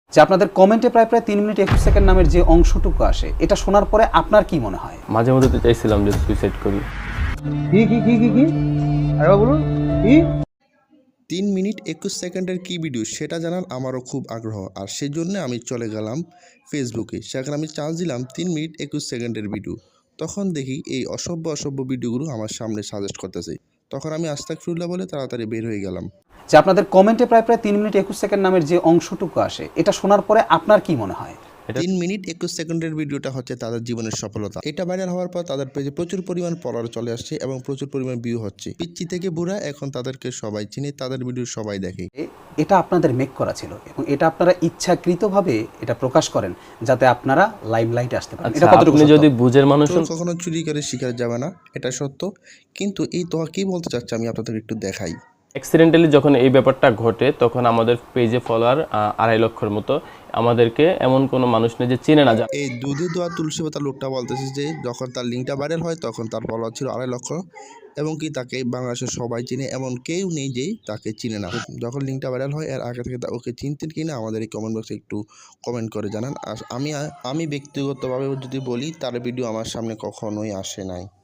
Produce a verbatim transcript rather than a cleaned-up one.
যে আপনাদের কমেন্টে প্রায় প্রায় তিন মিনিট একুশ সেকেন্ড নামের যে অংশটুকু আসে এটা শোনার পরে আপনার কি মনে হয়? মাঝে মধ্যে তো চাইছিলাম যে সুইসাইড করি। কি কি কি কি কি আরেকবার বলুন কি? তিন মিনিট একুশ সেকেন্ডের কী ভিডিও সেটা জানার আমারও খুব আগ্রহ, আর সেই জন্য আমি চলে গেলাম ফেসবুকে। সেখানে আমি চার্জ দিলাম তিন মিনিট একুশ সেকেন্ডের ভিডিও। তখন দেখি এই অসভ্য অসভ্য ভিডিওগুলো আমার সামনে সাজেস্ট করতেছে। তখন আমি আস্তাগফিরুল্লাহ বলে তাড়াতাড়ি বের হয়ে গেলাম। যে আপনাদের কমেন্টে প্রায় প্রায় তিন মিনিট একুশ সেকেন্ড নামের যে অংশটুকু আসে এটা শোনার পরে আপনার কি মনে হয়? এটা তিন মিনিট একুশ সেকেন্ডের ভিডিওটা হচ্ছে তাদের জীবনের সফলতা। এটা ভাইরাল হওয়ার পর তাদের পেজে প্রচুর পরিমাণ ফলোয়ার চলে আসছে এবং প্রচুর পরিমাণ ভিউ হচ্ছে। পিচ্চি থেকে বুড়া এখন তাদেরকে সবাই চিনে, তাদের ভিডিও সবাই দেখে। এ- এটা আপনাদের মেক করা ছিল এবং এটা আপনারা ইচ্ছাকৃতভাবে এটা প্রকাশ করেন যাতে আপনারা লাইমলাইটে আসতে পারেন। এটা আচ্ছা, কতটুকু আপনি সত্য? যদি বুঝের মানুষ চোর হন, কখনো চুরি করে শিকার যাবে না, এটা সত্য। কিন্তু এই তোয়া কি বলতে চাচ্ছে আমি আপনাদের একটু দেখাই। অ্যাক্সিডেন্টালি যখন এই ব্যাপারটা ঘটে তখন আমাদের পেজে ফলোয়ার আড়াই লক্ষের মতো। আমাদেরকে এমন কোনো মানুষ নেই যে চিনে না। যা- এই দুধে দোয়া তুলসী পাতা লোকটা বলতেছে যে যখন তার লিঙ্কটা ভাইরাল হয় তখন তার ফলোয়ার ছিল আড়াই লক্ষ, এবং কি তাকে বাংলাদেশের সবাই চিনে, এমন কেউ নেই যে তাকে চিনে না। যখন লিঙ্কটা ভাইরাল হয় এর আগে থেকে তা- ওকে চিনতেন কিনা আমাদের এই কমেন্ট বক্সে একটু কমেন্ট করে জানান। আর আমি আমি ব্যক্তিগতভাবে যদি বলি তার ভিডিও আমার সামনে কখনোই আসে নাই।